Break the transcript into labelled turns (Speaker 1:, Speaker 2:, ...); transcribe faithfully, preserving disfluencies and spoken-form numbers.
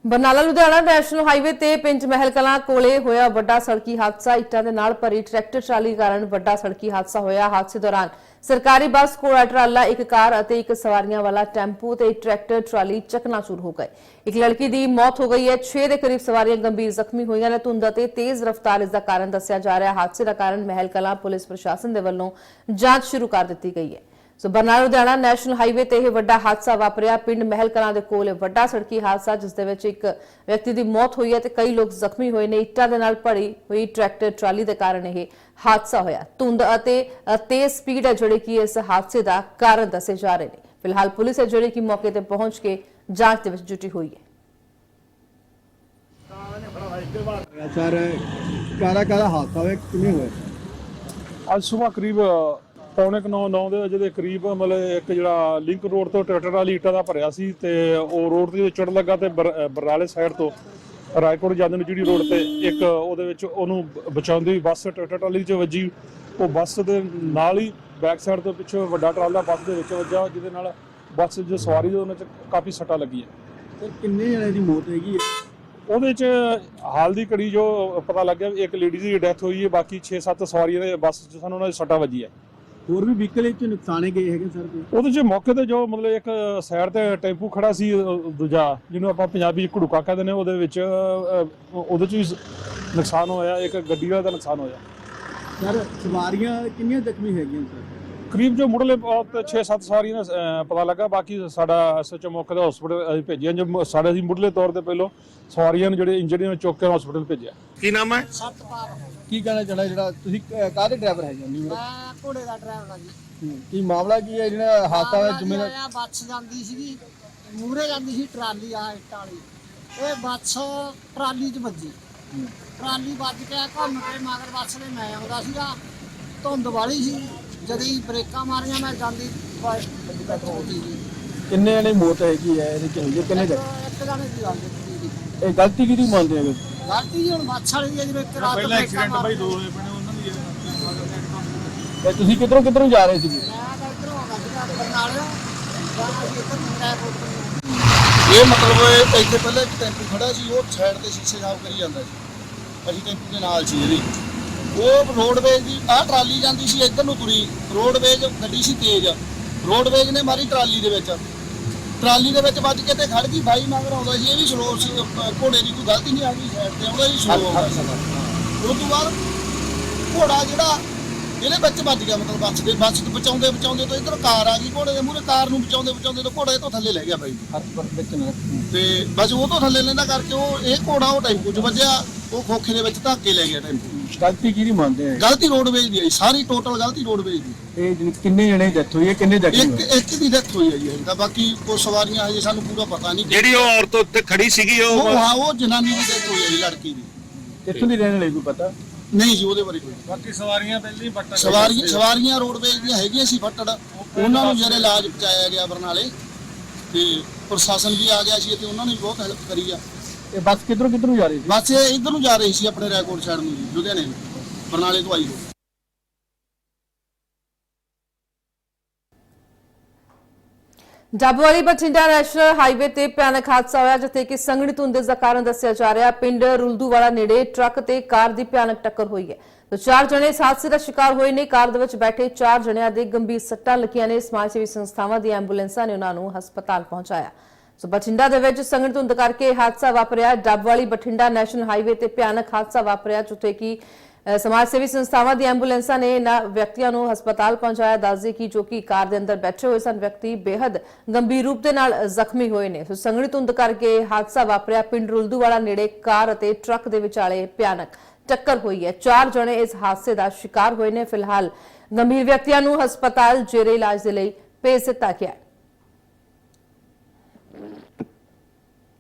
Speaker 1: Barnala Ludhiana national highway ਤੇ ਪਿੰਡ ਮਹਿਲ ਕਲਾਂ ਕੋਲੇ ਹੋਇਆ ਵੱਡਾ ਸੜਕੀ ਹਾਦਸਾ। ਇੱਟਾਂ ਦੇ ਨਾਲ ਭਰੀ ਟਰੈਕਟਰ ਟਰਾਲੀ ਕਾਰਨ ਵੱਡਾ ਸੜਕੀ ਹਾਦਸਾ ਹੋਇਆ। ਹਾਦਸੇ ਦੌਰਾਨ ਸਰਕਾਰੀ ਬੱਸ ਕੋਲ ਟਰਾਲਾ, ਇੱਕ ਕਾਰ ਅਤੇ ਇੱਕ ਸਵਾਰੀਆਂ ਵਾਲਾ ਟੈਂਪੂ ਤੇ ਟਰੈਕਟਰ ਟਰਾਲੀ ਚਕਨਾਚੂਰ ਹੋ ਗਏ। ਇੱਕ ਲੜਕੀ ਦੀ ਮੌਤ ਹੋ ਗਈ ਹੈ। ਛੇ ਦੇ ਕਰੀਬ ਸਵਾਰੀਆਂ ਗੰਭੀਰ ਜ਼ਖਮੀ ਹੋਈਆਂ ਨੇ। ਧੁੰਦ ਅਤੇ ਤੇਜ਼ ਰਫ਼ਤਾਰ ਇਸ ਦਾ ਕਾਰਨ ਦੱਸਿਆ ਜਾ ਰਿਹਾ। ਹਾਦਸੇ ਦਾ ਕਾਰਨ ਮਹਿਲ ਕਲਾਂ ਪੁਲਿਸ ਪ੍ਰਸ਼ਾਸਨ ਦੇ ਵੱਲੋਂ ਜਾਂਚ ਸ਼ੁਰੂ ਕਰ ਦਿੱਤੀ ਗਈ ਹੈ। So Barnala Ludhiana national highway ਤੇ ਇਹ ਵੱਡਾ ਹਾਦਸਾ ਵਾਪਰਿਆ। ਪਿੰਡ ਮਹਿਲ ਕਲਾਂ ਦੇ ਕੋਲ ਵੱਡਾ ਸੜਕੀ ਹਾਦਸਾ, ਜਿਸ ਦੇ ਵਿੱਚ ਇੱਕ ਵਿਅਕਤੀ ਦੀ ਮੌਤ ਹੋਈ ਹੈ ਤੇ ਕਈ ਲੋਕ ਜ਼ਖਮੀ ਹੋਏ ਨੇ। ਇੱਟਾਂ ਦੇ ਨਾਲ ਭਰੀ ਹੋਈ ਟਰੈਕਟਰ ਟਰਾਲੀ ਦੇ ਕਾਰਨ ਇਹ ਹਾਦਸਾ ਹੋਇਆ। ਧੁੰਦ ਅਤੇ ਤੇਜ਼ ਸਪੀਡ ਹੈ ਜਿਹੜੇ ਕਿ ਇਸ ਹਾਦਸੇ ਦਾ ਕਾਰਨ ਦੱਸੇ ਜਾ ਰਹੇ ਨੇ। ਫਿਲਹਾਲ ਪੁਲਿਸ ਹੈ ਜਿਹੜੀ ਕਿ ਮੌਕੇ ਤੇ ਪਹੁੰਚ ਕੇ ਜਾਂਚ ਦੇ ਵਿੱਚ ਜੁਟੀ ਹੋਈ ਹੈ।
Speaker 2: ਸਰ ਕਾਰਾ ਕਾਰਾ ਹਾਦਸਾ ਹੋਇਆ, ਕਿਵੇਂ ਹੋਇਆ?
Speaker 3: ਅੱਜ ਸਵੇਰ ਕਰੀਬ ਪੌਣੇ ਕੁ ਨੌ ਨੌ ਦੇ ਵਜੇ ਦੇ ਕਰੀਬ ਮਤਲਬ ਇੱਕ ਜਿਹੜਾ ਲਿੰਕ ਰੋਡ ਤੋਂ ਟਰੈਕਟਰ ਵਾਲੀ ਇੱਟਾਂ ਦਾ ਭਰਿਆ ਸੀ ਤੇ ਉਹ ਰੋਡ ਤੇ ਚੜ੍ਹਨ ਲੱਗਾ ਤੇ ਬਰਨਾਲੇ ਸਾਈਡ ਤੋਂ ਰਾਏਕੋਟ ਜਾਂਦੇ ਨੂੰ ਜਿਹੜੀ ਰੋਡ ਤੇ ਇੱਕ ਉਹਦੇ ਵਿੱਚ ਉਹਨੂੰ ਬਚਾਉਂਦੀ ਹੋਈ ਬੱਸ ਟਰੈਕਟਰ ਟਰਾਲੀ 'ਚ ਵੱਜੀ। ਉਹ ਬੱਸ ਦੇ ਨਾਲ ਹੀ ਬੈਕ ਸਾਈਡ ਤੋਂ ਪਿੱਛੋਂ ਵੱਡਾ ਟਰਾਲਾ ਬੱਸ ਦੇ ਵਿੱਚ ਵੱਜਾ, ਜਿਹਦੇ ਨਾਲ ਬੱਸ ਜੋ ਸਵਾਰੀ ਦੇ ਉਹਨਾਂ 'ਚ ਕਾਫੀ ਸੱਟਾਂ ਲੱਗੀਆਂ।
Speaker 2: ਸਰ ਕਿੰਨੇ ਜਣੇ ਦੀ ਮੌਤ ਹੈਗੀ ਹੈ?
Speaker 3: ਉਹਦੇ 'ਚ ਹਾਲ ਦੀ ਘੜੀ ਜੋ ਪਤਾ ਲੱਗਿਆ ਇੱਕ ਲੇਡੀ ਦੀ ਡੈਥ ਹੋਈ ਹੈ, ਬਾਕੀ ਛੇ ਸੱਤ ਸਵਾਰੀਆਂ ਦੇ ਬੱਸ 'ਚ ਸਾਨੂੰ ਉਹਨਾਂ ਦੀ ਸੱਟਾਂ ਵੱਜੀ ਹੈ।
Speaker 2: ਹੋਰ ਵੀ ਵਹੀਕਲ ਵਿੱਚ ਨੁਕਸਾਨੇ ਗਏ ਹੈਗੇ ਸਰ?
Speaker 3: ਉਹਦੇ 'ਚ ਮੌਕੇ ਤੇ ਜੋ ਮਤਲਬ ਇੱਕ ਸਾਈਡ ਤੇ ਟੈਂਪੂ ਖੜਾ ਸੀ, ਦੂਜਾ ਜਿਹਨੂੰ ਆਪਾਂ ਪੰਜਾਬੀ 'ਚ ਘੜੂਕਾ ਕਹਿੰਦੇ ਨੇ, ਉਹਦੇ ਵਿੱਚ ਉਹਦੇ 'ਚ ਵੀ ਨੁਕਸਾਨ ਹੋਇਆ। ਇੱਕ ਗੱਡੀ ਵਾਲੇ ਦਾ ਨੁਕਸਾਨ ਹੋਇਆ।
Speaker 2: ਸਰ ਸਵਾਰੀਆਂ ਕਿੰਨੀਆਂ ਜ਼ਖਮੀ ਹੈਗੀਆਂ ਸਰ?
Speaker 3: ਕਰੀਬ ਜੋ ਮੁੱਢਲੇ ਛੇ ਸੱਤ ਸਵਾਰੀਆਂ ਦਾ ਪਤਾ ਲੱਗਾ, ਬਾਕੀ ਸਾਡਾ ਐਸਐਚਓ ਮੌਕੇ ਤੇ ਹਸਪੀਟਲ ਅਸੀਂ ਭੇਜਿਆ। ਜੋ ਸਾਡੇ ਅਸੀਂ ਮੁੱਢਲੇ ਤੌਰ ਤੇ ਪਹਿਲੋਂ ਸਵਾਰੀਆਂ ਨੂੰ ਜਿਹੜੇ ਇੰਜਰਡ ਨੇ ਚੁੱਕ ਕੇ ਹਸਪੀਟਲ ਭੇਜਿਆ।
Speaker 4: ਕੀ ਨਾਮ ਹੈ?
Speaker 2: ਸਤਪਾਲ। ਕੀ ਕਹਿਣਾ ਚਾਹਣਾ ਜਿਹੜਾ ਤੁਸੀਂ ਕਾਹਦੇ ਡਰਾਈਵਰ ਹੈਗੇ?
Speaker 5: ਮੈਂ ਘੋੜੇ ਦਾ ਡਰਾਈਵਰ ਆ ਜੀ।
Speaker 2: ਕੀ ਮਾਮਲਾ ਕੀ ਹੈ ਜਿਹੜਾ ਹਾਦਸਾ ਹੋਇਆ? ਜ਼ਿੰਮੇਵਾਰ
Speaker 5: ਆ ਬੱਸ ਜਾਂਦੀ ਸੀਗੀ, ਮੂਹਰੇ ਜਾਂਦੀ ਸੀ ਟਰਾਲੀ ਆ ਇੱਟਾਂ ਵਾਲੀ। ਇਹ ਬੱਸ ਟਰਾਲੀ 'ਚ ਵੱਜੀ। ਟਰਾਲੀ ਵੱਜ ਕੇ ਘੁੰਮ ਕੇ ਮਗਰ ਬੱਸ ਦੇ ਮੈਂ ਆਉਂਦਾ ਸੀਗਾ। ਧੁੰਦ ਵਾਲੀ ਸੀ, ਜਦੋਂ ਹੀ ਬ੍ਰੇਕਾਂ ਮਾਰੀਆਂ ਮੈਂ ਜਾਂਦੀ ਹੋਈ।
Speaker 2: ਕਿੰਨੇ ਜਣੇ ਮੌਤ ਹੈਗੀ ਹੈ ਇਹਦੇ ਚ? ਕਿੰਨੇ ਜਣੇ?
Speaker 5: ਇੱਕ ਜਾਣੇ ਦੀ ਗੱਲ ਕੀਤੀ।
Speaker 2: ਇਹ ਗਲਤੀ ਕਿਹਦੀ ਮੰਨਦੇ ਹੈਗੇ?
Speaker 5: ਗਲਤੀ ਜੀ ਹੁਣ ਬੱਸ ਵਾਲੀ ਦੀ ਹੈ, ਜਿਵੇਂ ਇੱਕ ਰਾਤ
Speaker 3: ਪਹਿਲਾਂ ਐਕਸੀਡੈਂਟ ਬਾਈ ਦੋ ਹੋਏ ਪਏ ਉਹਨਾਂ ਦੀ।
Speaker 2: ਤੇ ਤੁਸੀਂ ਕਿੱਧਰੋਂ ਕਿੱਧਰੋਂ ਜਾ ਰਹੇ ਸੀਗੇ?
Speaker 5: ਮੈਂ ਤਾਂ ਇੱਧਰੋਂ ਆਉਂਦਾ ਸੀਗਾ ਬਰਨਾਲੇ, ਜਾਣਾ ਸੀ ਇੱਧਰ ਮੁੰਡਾ ਕੋਲ।
Speaker 6: ਇਹ ਮਤਲਬ ਇੱਥੇ ਪਹਿਲਾਂ ਇੱਕ ਟੈਂਪੂ ਖੜਾ ਸੀ, ਉਹ ਸਾਈਡ ਤੇ ਸ਼ੀਸ਼ੇ ਸਾਫ਼ ਕਰੀ ਜਾਂਦਾ ਸੀ। ਅਸੀਂ ਟੈਂਪੂ ਦੇ ਨਾਲ ਸੀ ਇਹਦੀ। ਉਹ ਰੋਡਵੇਜ਼ ਦੀ ਆਹ ਟਰਾਲੀ ਜਾਂਦੀ ਸੀ ਇੱਧਰ ਨੂੰ ਤੁਰੀ। ਰੋਡਵੇਜ਼ ਗੱਡੀ ਸੀ ਤੇਜ਼, ਰੋਡਵੇਜ਼ ਨੇ ਮਾਰੀ ਟਰਾਲੀ ਦੇ ਵਿੱਚ। ਟਰਾਲੀ ਦੇ ਵਿੱਚ ਵੱਜ ਕੇ ਤੇ ਖੜ ਗਈ। ਬਾਈ ਮਗਰ ਆਉਂਦਾ ਸੀ, ਇਹ ਵੀ ਸਲੋ ਸੀ। ਘੋੜੇ ਦੀ ਕੋਈ ਗਲਤੀ ਨਹੀਂ ਆ ਗਈ, ਸਾਈਡ ਤੇ ਆਉਂਦਾ ਸੀ, ਸਲੋ ਆਉਂਦਾ ਸੀ। ਉਸ ਤੋਂ ਬਾਅਦ ਘੋੜਾ ਜਿਹੜਾ ਇਹਦੇ ਵਿੱਚ ਵੱਜ ਗਿਆ, ਮਤਲਬ ਬੱਸ ਦੇ ਬੱਸ ਤੋਂ ਬਚਾਉਂਦੇ ਬਚਾਉਂਦੇ ਤੋਂ ਇੱਧਰ ਕਾਰ ਆ ਗਈ। ਘੋੜੇ ਦੇ ਮੂਹਰੇ ਕਾਰ ਨੂੰ ਬਚਾਉਂਦੇ ਬਚਾਉਂਦੇ ਤੋਂ ਘੋੜਾ ਇਹ ਤੋਂ ਥੱਲੇ ਲੈ ਗਿਆ ਬਾਈ
Speaker 2: ਵਿੱਚ ਨਾ
Speaker 6: ਤੇ ਬਸ ਉਹ ਤੋਂ ਥੱਲੇ ਲੈਂਦਾ ਕਰਕੇ ਉਹ ਇਹ ਘੋੜਾ ਉਹ ਟੈਂਪੂ 'ਚ ਵੱਜਿਆ। ਉਹ ਖੋਖੇ ਦੇ ਵਿੱਚ ਧੱਕੇ ਲੈ ਗਿਆ ਟੈਂਪੂ।
Speaker 2: ਗਲਤੀ ਕਿਹਦੀ ਮੰਨਦੇ ਹੈ?
Speaker 6: ਗਲਤੀ ਰੋਡਵੇਜ਼ ਦੀ ਹੈ, ਸਾਰੀ ਟੋਟਲ ਗਲਤੀ ਰੋਡਵੇਜ਼ ਦੀ।
Speaker 2: ਇਹ ਜਿਹੜੀ ਕਿੰਨੇ ਜਣੇ ਡੈਥ ਹੋਈ ਹੈ, ਕਿੰਨੇ ਜ਼ਖਮੀ
Speaker 6: ਇੱਕ
Speaker 2: ਹੋਏ?
Speaker 6: ਇੱਕ ਦੀ ਡੈਥ ਹੋਈ ਹੈ ਜੀ। ਤਾਂ ਬਾਕੀ ਕੋਈ ਸਵਾਰੀਆਂ ਹਜੇ ਸਾਨੂੰ ਪੂਰਾ ਪਤਾ ਨਹੀਂ।
Speaker 4: ਜਿਹੜੀ ਉਹ ਔਰਤ ਉੱਤੇ ਖੜੀ ਸੀਗੀ ਉਹ
Speaker 6: ਉਹ ਹਾਂ ਉਹ ਜਨਾਨੀ ਦੀ ਡੈਥ ਹੋਈ ਹੈ ਜੀ, ਲੜਕੀ ਦੀ।
Speaker 2: ਇੱਥੋਂ ਦੀ ਰਹਿਣ ਵਾਲੀ ਕੋਈ ਪਤਾ
Speaker 6: ਨਹੀਂ ਜੀ ਉਹਦੇ ਬਾਰੇ ਕੋਈ।
Speaker 3: ਬਾਕੀ ਸਵਾਰੀਆਂ ਪਹਿਲਾਂ ਹੀ ਬੱਟਾ
Speaker 6: ਸਵਾਰੀਆਂ ਸਵਾਰੀਆਂ ਰੋਡਵੇਜ਼ ਦੀਆਂ ਹੈਗੀਆਂ ਸੀ ਫੱਟੜ, ਉਹਨਾਂ ਨੂੰ ਜਿਹੜੇ ਇਲਾਜ ਪਹੁੰਚਾਇਆ ਗਿਆ ਬਰਨਾਲੇ। ਤੇ ਪ੍ਰਸ਼ਾਸਨ ਵੀ ਆ ਗਿਆ ਸੀ ਤੇ ਉਹਨਾਂ ਨੇ ਵੀ ਬਹੁਤ ਹੈਲਪ ਕਰੀ ਆ।
Speaker 2: ਇਹ ਬੱਸ ਕਿੱਧਰੋਂ ਕਿੱਧਰੋਂ ਜਾ ਰਹੀ ਸੀ?
Speaker 6: ਬਸ ਇਹ ਇੱਧਰ ਨੂੰ ਜਾ ਰਹੀ ਸੀ, ਆਪਣੇ ਰਾਏਕੋਟ ਸਾਈਡ ਨੂੰ ਜੀ, ਲੁਧਿਆਣੇ ਨੂੰ, ਬਰਨਾਲੇ ਤੋਂ ਆਈ ਹੋਈ।
Speaker 1: ਡੱਬਵਾਲੀ ਬਠਿੰਡਾ ਨੈਸ਼ਨਲ ਹਾਈਵੇ ਤੇ ਭਿਆਨਕ ਹਾਦਸਾ ਹੋਇਆ, ਜਿੱਥੇ ਕਿ ਸੰਘਣੀ ਧੁੰਦ ਦਾ ਕਾਰਨ ਦੱਸਿਆ ਜਾ ਰਿਹਾ। ਪਿੰਡ ਰੁਲਦੂਵਾਲਾ ਨੇੜੇ ਟਰੱਕ ਤੇ ਕਾਰ ਦੀ ਭਿਆਨਕ ਟੱਕਰ ਹੋਈ ਹੈ। ਤੇ ਚਾਰ ਜਣੇ ਇਸ ਹਾਦਸੇ ਦਾ ਸ਼ਿਕਾਰ ਹੋਏ ਨੇ। ਕਾਰ ਦੇ ਵਿੱਚ ਬੈਠੇ ਚਾਰ ਜਣਿਆਂ ਦੇ ਗੰਭੀਰ ਸੱਟਾਂ ਲੱਗੀਆਂ ਨੇ। ਸਮਾਜ ਸੇਵੀ ਸੰਸਥਾਵਾਂ ਦੀ ਐਂਬੂਲੈਂਸਾਂ ਨੇ ਉਹਨਾਂ ਨੂੰ ਹਸਪਤਾਲ ਪਹੁੰਚਾਇਆ। ਸੋ ਬਠਿੰਡਾ ਦੇ ਵਿੱਚ ਸੰਘਣੀ ਧੁੰਦ ਕਰਕੇ ਹਾਦਸਾ ਵਾਪਰਿਆ। ਡੱਬਵਾਲੀ ਬਠਿੰਡਾ ਨੈਸ਼ਨਲ ਹਾਈਵੇ ਤੇ ਭਿਆਨਕ ਹਾਦਸਾ ਵਾਪਰਿਆ, ਜਿੱਥੇ ਕਿ ਸਮਾਜ ਸੇਵੀ ਸੰਸਥਾਵਾਂ ਦੀ ਐਂਬੂਲੈਂਸਾਂ ਨੇ ਇਹਨਾਂ ਵਿਅਕਤੀਆਂ ਨੂੰ ਹਸਪਤਾਲ ਪਹੁੰਚਾਇਆ। ਦੱਸਦੇ ਕਿ ਜੋ ਕਿ ਕਾਰ ਦੇ ਅੰਦਰ ਬੈਠੇ ਹੋਏ ਸਨ ਵਿਅਕਤੀ ਬੇहद ਗੰਭੀਰ ਰੂਪ ਦੇ ਨਾਲ ਜ਼ਖਮੀ ਹੋਏ ਨੇ। ਸੋ ਸੰਘਣੀ ਧੁੰਦ ਕਰਕੇ ਹਾਦਸਾ ਵਾਪਰਿਆ। ਪਿੰਡ ਰੁਲਦੂਵਾਲਾ ਨੇੜੇ ਕਾਰ ਅਤੇ ਟਰੱਕ ਦੇ ਵਿਚਾਲੇ ਭਿਆਨਕ ਟੱਕਰ ਹੋਈ ਹੈ। ਚਾਰ ਜਣੇ ਇਸ ਹਾਦਸੇ ਦਾ ਸ਼ਿਕਾਰ ਹੋਏ ਨੇ। ਫਿਲਹਾਲ ਗੰਭੀਰ ਵਿਅਕਤੀਆਂ ਨੂੰ ਹਸਪਤਾਲ ਜੇਰੇ ਇਲਾਜ ਦੇ ਲਈ ਭੇਜ ਦਿੱਤਾ ਗਿਆ ਹੈ।